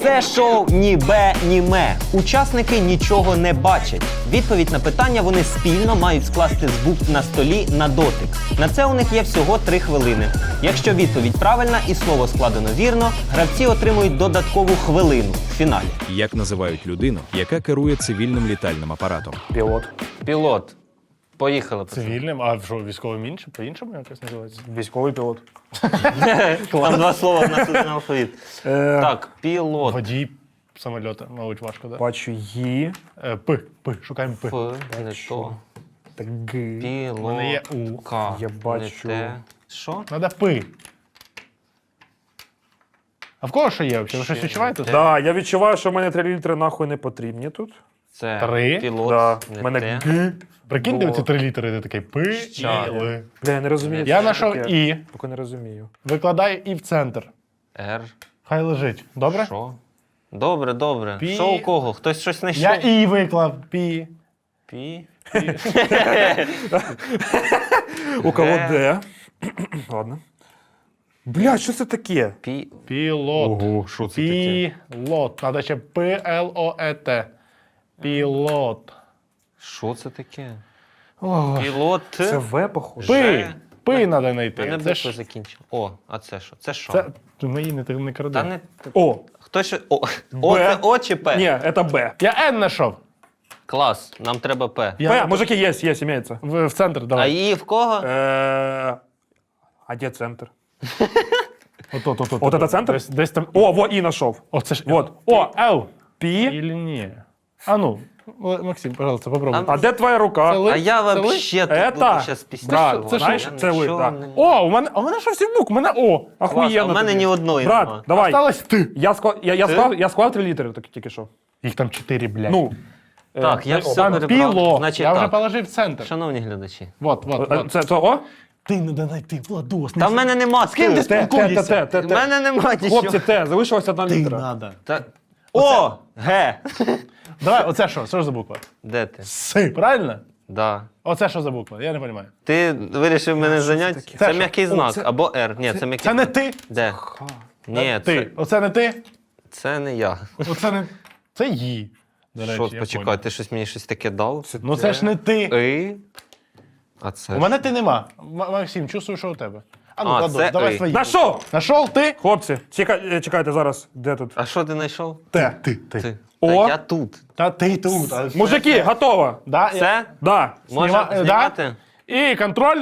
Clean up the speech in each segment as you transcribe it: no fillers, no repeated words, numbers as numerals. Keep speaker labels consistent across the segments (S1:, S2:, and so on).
S1: Це шоу ні бе, ні ме. Учасники нічого не бачать. Відповідь на питання вони спільно мають скласти з букв на столі на дотик. На це у них є всього 3 хвилини. Якщо відповідь правильна і слово складено вірно, гравці отримують додаткову хвилину в фіналі.
S2: Як називають людину, яка керує цивільним літальним апаратом?
S3: Пілот.
S1: Пілот. Поїхали. пацани.
S4: Цивільним, а що, військовим іншим? По-іншому якось називається?
S3: Військовий пілот.
S1: Там 2 слова в нас один алфавіт. Так, пілот.
S4: Водій самольота, мабуть, важко, так?
S3: Бачу Ї.
S4: П. Шукаємо П.
S1: П, не то.
S3: Так Г.
S1: Пілот.
S4: У мене є У.
S1: К.
S3: Я бачу.
S1: Не те. Що?
S4: Надо П. А в кого що є взагалі? Ви щось відчуваєте?
S3: Да, я відчуваю, що в мене 3 літри нахуй не потрібні тут.
S1: Це
S4: 3.
S1: пілот.
S3: Да.
S1: Не
S3: В мене
S1: те.
S3: Г.
S4: Прикиньте
S3: Бо-
S4: оці 3 літери, ти такий П,
S1: Ча.
S4: І, Л.
S3: Бля, я не розумію.
S4: Я
S3: що
S4: знайшов
S3: таке.
S4: І.
S3: Поки не розумію.
S4: Викладаю І в центр.
S1: Р.
S4: Хай лежить. Добре?
S1: Що? Добре, добре.
S4: Пі.
S1: Що у кого? Хтось щось знайшов?
S4: Я І виклав. Пі.
S1: Пі.
S3: У кого Д? Ладно. Бля, що це таке?
S1: Пі.
S4: Пілот.
S3: Ого, що це таке?
S4: Пілот. Надо ще П-Л-О-Е-Т. Пілот.
S1: Що це таке?
S4: Ой.
S1: Пілот.
S3: Це В, походу.
S4: Пи. Пи треба
S1: Мене
S4: знайти. Це
S1: битва
S4: ж...
S1: закінчив. О, а це що? Це що?
S4: Це... Мої не кради.
S1: Та не...
S3: О.
S1: Хтось що... О, О це О чи П?
S3: Ні, це Б.
S4: Я Н знайшов.
S1: Клас, нам треба П.
S3: П, мужики, є, імеється.
S4: В центр,
S1: А
S4: давай.
S1: її в кого?
S3: А де центр?
S4: От.
S3: От це центр?
S4: Десь там.
S3: О, во, І знайшов.
S4: О, це ж.
S3: Вот.
S4: О, Л.
S3: Пі.
S4: Или ні? А ну, Максим, пожалуйста, попробуй.
S3: А де твоя рука?
S4: Це ли?
S1: А я
S4: Це ли?
S1: вообще тут
S3: Ета?
S1: буду щас після.
S3: Брат,
S4: це
S3: знаєш,
S4: що?
S3: це ви, да.
S4: О, у мене що всі букв, у мене О.
S3: Охуєнно.
S1: А в мене
S3: тобі.
S1: ні одної
S3: Брат,
S1: нема.
S3: давай.
S4: Осталось ти.
S3: Я склав 3 літери тільки що.
S4: Їх там 4, блядь.
S3: Ну.
S1: Так, я все
S4: Там
S1: перебрав.
S4: піло.
S1: Значить
S4: Я вже
S1: так.
S4: положив в центр.
S1: Шановні глядачі.
S4: Вот.
S3: Це О?
S4: Ти не знайти, Владос.
S1: Та в мене нема з ким ти
S3: Т.
S1: В мене нема нічого.
S3: Хлопці, Т, залишилася 1
S4: Ти
S3: літера.
S4: надо.
S1: Та... О! Г!
S4: Давай, оце що? Що ж за буква?
S1: Де ти?
S4: С, правильно?
S1: Да.
S4: Оце що за буква? Я не розумію.
S1: Ти вирішив мене зайняти?
S4: Це
S1: Це
S4: що?
S1: м'який
S4: О,
S1: знак.
S4: це-
S1: Або Р. Ні, це м'який.
S4: Це не ти?
S1: Де? Ні,
S4: Ти. Оце не ти?
S1: це не я.
S4: Оце не... Це Ї. До речі,
S1: Що,
S4: я
S1: почекай,
S4: понял.
S1: ти щось мені щось таке дав?
S4: Ну це ж не ти.
S1: И. А це.
S4: У мене ти нема. Максим, чувствую, що у тебе. А ну,
S1: А,
S4: Владос,
S1: це
S4: давай
S1: «и».
S4: свої.
S3: Нашов!
S4: Нашов ти?
S3: Хлопці, чекайте зараз. Де тут?
S1: А що ти знайшов?
S4: Ти.
S1: Ти.
S3: О.
S1: Та я тут.
S4: Та ти тут. А це-
S3: Мужики, готово.
S4: Да,
S1: Це?
S3: Да.
S1: Може
S4: да?
S1: знімати?
S4: І контроль.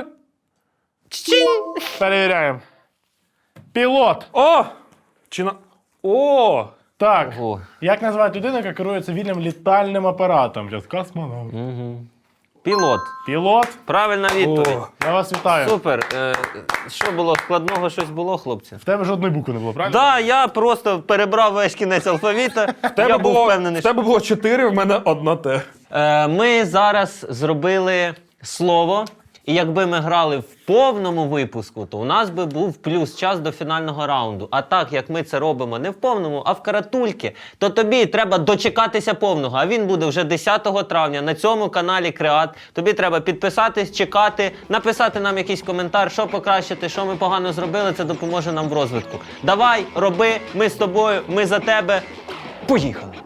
S4: Перевіряємо. Пілот.
S3: О! Чи на... О!
S4: Так.
S1: Ого.
S4: Як називають людину, яка керує цивільним літальним апаратом? Зараз космонавт.
S1: Пілот.
S4: Пілот.
S1: Правильна відповідь.
S4: Я вас вітаю.
S1: Супер. Що було? Складного щось було, хлопці?
S4: В тебе жодної букви не було, правильно?
S1: Да, я просто перебрав весь кінець алфавіта. Я був впевнений,
S3: В тебе було 4, в мене 1 Т.
S1: Ми зараз зробили слово, і якби ми грали в повному випуску, то у нас би був плюс час до фінального раунду. А так, як ми це робимо не в повному, а в каратульки, то тобі треба дочекатися повного. А він буде вже 10 травня на цьому каналі Креат. Тобі треба підписатись, чекати, написати нам якийсь коментар, що покращити, що ми погано зробили, це допоможе нам в розвитку. Давай, роби, ми з тобою, ми за тебе. Поїхали!